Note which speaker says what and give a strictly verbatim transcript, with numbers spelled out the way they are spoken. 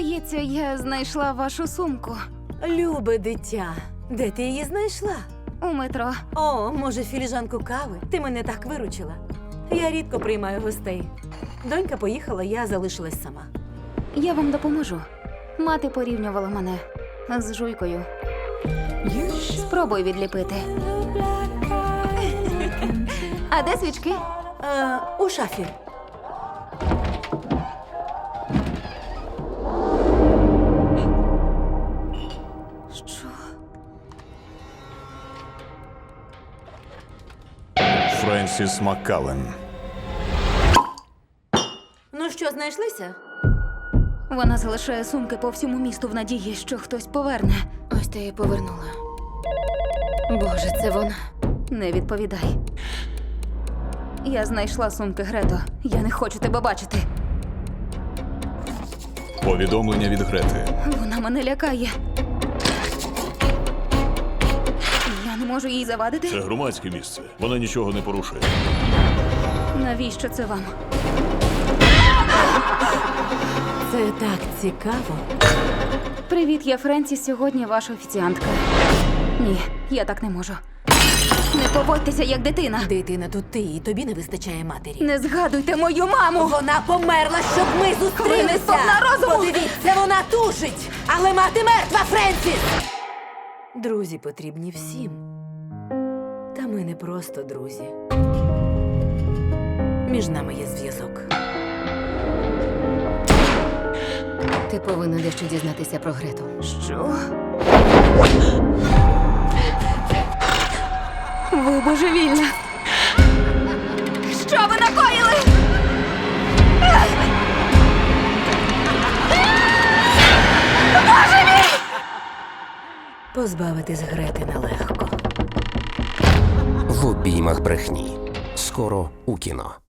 Speaker 1: Здається, я знайшла вашу сумку
Speaker 2: Любе дитя, де ти її знайшла?
Speaker 1: у метро.
Speaker 2: О, може, філіжанку кави? Ти мене так виручила. Я рідко приймаю гостей. Донька поїхала, я залишилась сама.
Speaker 1: Я вам допоможу. Мати порівнювала мене з жуйкою. Спробуй відліпити. А де свічки?
Speaker 2: Е, у шафі.
Speaker 1: Що?
Speaker 3: Френсіс Маккаллен.
Speaker 2: Ну що, знайшлися?
Speaker 1: Вона залишає сумки по всьому місту в надії, що хтось поверне.
Speaker 4: Ось ти її повернула. Боже, це вона.
Speaker 1: Не відповідай. Я знайшла сумки, Грето. Я не хочу тебе бачити.
Speaker 3: Повідомлення від Грети.
Speaker 1: Вона мене лякає. Я не можу їй завадити.
Speaker 3: Це громадське місце. Вона нічого не порушує.
Speaker 1: Навіщо це вам?
Speaker 2: Це так цікаво.
Speaker 1: Привіт, я Френсіс. Сьогодні ваша офіціантка. Ні, я так не можу. Не поводьтеся як дитина.
Speaker 2: Дитина тут ти, і тобі не вистачає матері.
Speaker 1: Не згадуйте мою маму.
Speaker 2: Вона померла, щоб ми
Speaker 1: Ви не
Speaker 2: зустрілися.
Speaker 1: сповна розуму.
Speaker 2: Подивіться, вона тужить, але мати мертва, Френсіс! Друзі потрібні всім. Та ми не просто друзі. Між нами є зв'язок.
Speaker 4: Ти повинна дещо дізнатися про Грету.
Speaker 1: Що? Ви божевільна. Що ви накоїли? Боже мій!
Speaker 2: Позбавитись Грети нелегко.
Speaker 5: В обіймах брехні. Скоро у кіно.